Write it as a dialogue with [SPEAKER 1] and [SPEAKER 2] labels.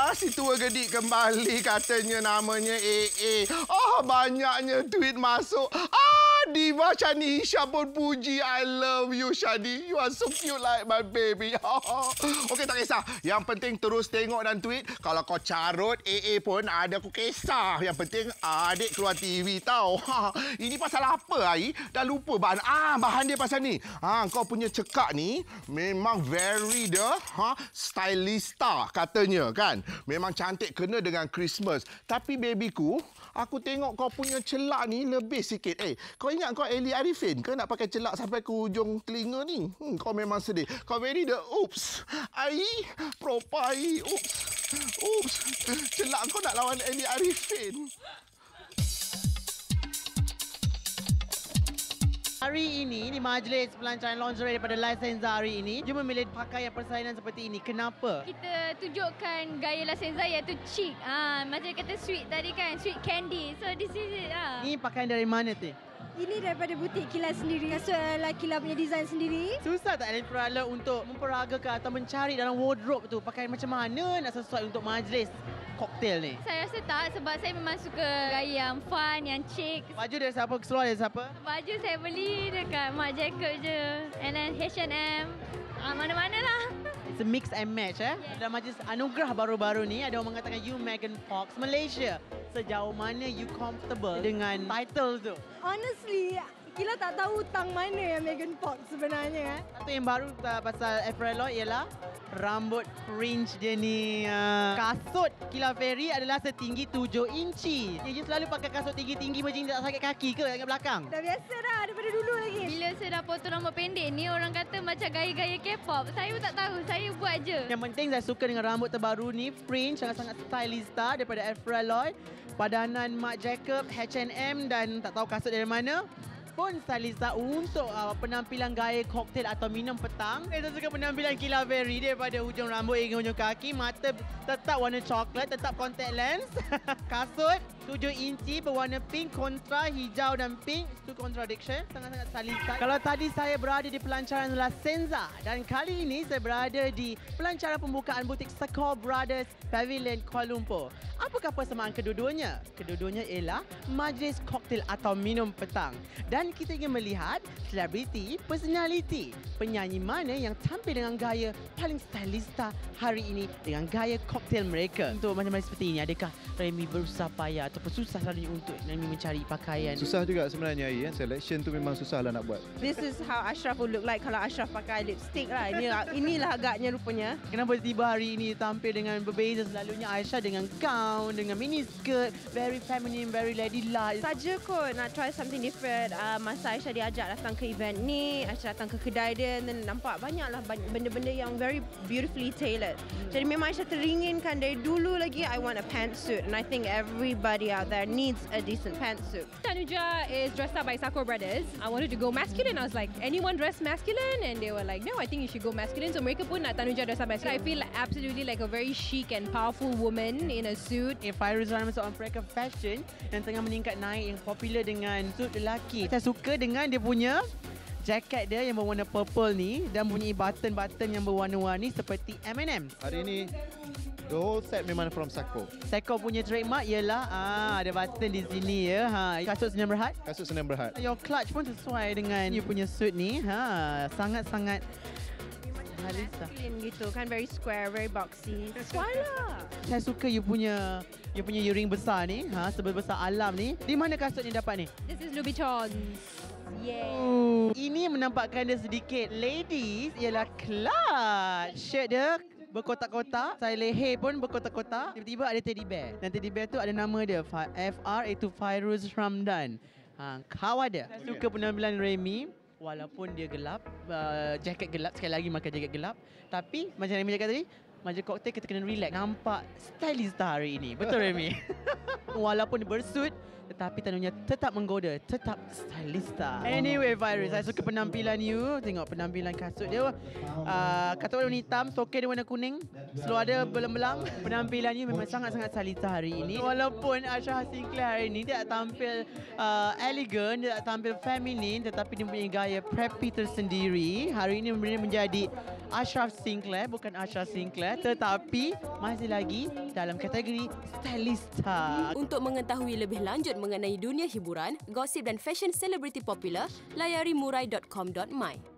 [SPEAKER 1] si tua gedik kembali katanya namanya AA. Banyaknya tweet masuk. Diva Shani Hisha pun puji. I love you, Shani. You are so cute like my baby. Okey, tak kisah. Yang penting terus tengok dan tweet. Kalau kau carut, AA pun ada aku kisah. Yang penting adik keluar TV tau. Ini pasal apa, Ai? Dah lupa bahan. Bahan dia pasal ni. Kau punya cekak ni memang very stylista katanya kan. Memang cantik kena dengan Christmas. Tapi babyku, aku tengok kau punya celak ni lebih sikit. Kau ingat kau Eli Arifin ke nak pakai celak sampai ke hujung telinga ni? Kau memang sedih. Kau very the oops. Proper oops. Oops. Celak kau nak lawan Eli Arifin.
[SPEAKER 2] Hari ini di majlis pelancaran lingerie daripada La Senza hari ini, you memilih pakaian persalinan seperti ini. Kenapa?
[SPEAKER 3] Kita tunjukkan gaya La Senza iaitu chic. Macam kata sweet tadi kan, sweet candy. So this is it.
[SPEAKER 2] Ini pakaian dari mana tu?
[SPEAKER 4] Ini daripada butik Kila sendiri. Kasut Kila punya design sendiri.
[SPEAKER 2] Susah tak Elfrala untuk memperagakan atau mencari dalam wardrobe tu pakaian macam mana nak sesuai untuk majlis koktel ni?
[SPEAKER 3] Saya rasa tak, sebab saya memang suka gaya yang fun, yang chic.
[SPEAKER 2] Baju dari siapa? Seluar dari siapa?
[SPEAKER 3] Baju saya beli dekat Marc Jacob je. And then H&M. Mana-mana lah.
[SPEAKER 2] It's a mix and match Dalam majlis anugerah baru-baru ni ada orang mengatakan you Megan Fox Malaysia. Sejauh mana you comfortable dengan title tu?
[SPEAKER 4] Honestly, Kila tak tahu tang mana yang Megan Fox sebenarnya.
[SPEAKER 2] Satu yang baru pasal Avril Lloyd ialah rambut fringe dia ni. Kasut Kila Ferry adalah setinggi 7 inci. You selalu pakai kasut tinggi-tinggi macam tak sakit kaki ke kat belakang?
[SPEAKER 4] Dah biasa dah daripada dulu lagi.
[SPEAKER 3] Bila saya dah potong rambut pendek ni, orang kata macam gaya-gaya K-pop. Saya pun tak tahu, saya buat je.
[SPEAKER 2] Yang penting saya suka dengan rambut terbaru ni, fringe, sangat-sangat stylista daripada Avril Lloyd. Padanan Marc Jacob, H&M dan tak tahu kasut dari mana. Pun stylista untuk penampilan gaya koktel atau minum petang. Saya suka penampilan Kila Ferry daripada hujung rambut hingga hujung kaki. Mata tetap warna coklat, tetap contact lens. Kasut 7 inci berwarna pink kontra hijau dan pink. Itu contradiction. Sangat-sangat stylista. Kalau tadi saya berada di pelancaran La Senza dan kali ini saya berada di pelancaran pembukaan butik Sekor Brothers Pavilion Kuala Lumpur. Apakah persamaan kedua-duanya? Kedua-duanya ialah majlis koktel atau minum petang. Dan kita ingin melihat selebriti, personality, penyanyi mana yang tampil dengan gaya paling stylista hari ini dengan gaya koktel mereka. Untuk macam-macam seperti ini, adakah Remy berusaha payah ataupun susah selalunya untuk Remy mencari pakaian?
[SPEAKER 5] Susah juga sebenarnya, selection tu memang susah lah nak buat.
[SPEAKER 6] This is how Ashraf would look like kalau Ashraf pakai lipstick lah. Inilah agaknya rupanya.
[SPEAKER 2] Kenapa tiba hari ini tampil dengan berbeza? Selalunya Aisyah dengan gown, dengan mini skirt, very feminine, very ladylike.
[SPEAKER 6] Saja kot nak try something different. Masa Aisyah diajak datang ke event ni, Aisyah datang ke kedai dia dan nampak banyaklah benda-benda yang very beautifully tailored. Jadi memang Aisyah teringinkan dari dulu lagi, I want a pantsuit. And I think everybody out there needs a decent pantsuit.
[SPEAKER 7] Tanuja is dressed up by Sakura Brothers. I wanted to go masculine. I was like, anyone dress masculine? And they were like, no, I think you should go masculine. So mereka pun nak Tanuja dress up masculine. I feel absolutely like a very chic and powerful woman in a suit.
[SPEAKER 2] Fairuz Rahman seorang perakar fashion yang tengah meningkat naik, yang popular dengan suit lelaki. Saya suka dengan dia punya jaket dia yang berwarna purple ni dan punya button-button yang berwarna-warni seperti M&M.
[SPEAKER 5] Hari ini the whole set memang from Sekor.
[SPEAKER 2] Sekor punya trademark ialah ada button di sini ya. Kasut Senyum Berhad.
[SPEAKER 5] Kasut Senyum Berhad.
[SPEAKER 2] Your clutch pun sesuai dengan you punya suit ni. Sangat-sangat
[SPEAKER 6] masculine gitu kan, very square, very boxy. Sesuai lah.
[SPEAKER 2] Saya suka you punya earring besar ni, sebesar alam ni. Di mana kasut ni dapat ni?
[SPEAKER 7] This is Louis Vuitton.
[SPEAKER 2] Yeah. Ini menampakkan dia sedikit ladies ialah clutch. Shirt dia berkotak-kotak. Saya leher pun berkotak-kotak. Tiba-tiba ada teddy bear. Dan teddy bear tu ada nama dia. FR iaitu Fairuz Ramdan. Kawan dia. Saya suka penampilan Remy. Walaupun dia gelap, jaket gelap, sekali lagi makan jaket gelap. Tapi macam Remy cakap tadi, majlis koktel kita kena relax. Nampak stylista hari ini. Betul Remy? Walaupun dia bersuit, tetapi tanunya tetap menggoda, tetap stylista. Anyway Fairuz, saya suka penampilan you. Tengok penampilan kasut dia. Kasut warna hitam, soket dia warna kuning. Seluar dia belang-belang. Penampilan you memang sangat-sangat stylista hari ini. Walaupun Ashraf Sinclair hari ini tidak tampil elegan, tidak tampil feminin, tetapi dia punya gaya preppy tersendiri. Hari ini menjadi Ashraf Sinclair, bukan Ashraf Sinclair, tetapi masih lagi dalam kategori stylista.
[SPEAKER 8] Untuk mengetahui lebih lanjut mengenai dunia hiburan, gosip dan fashion selebriti popular, layari murai.com.my.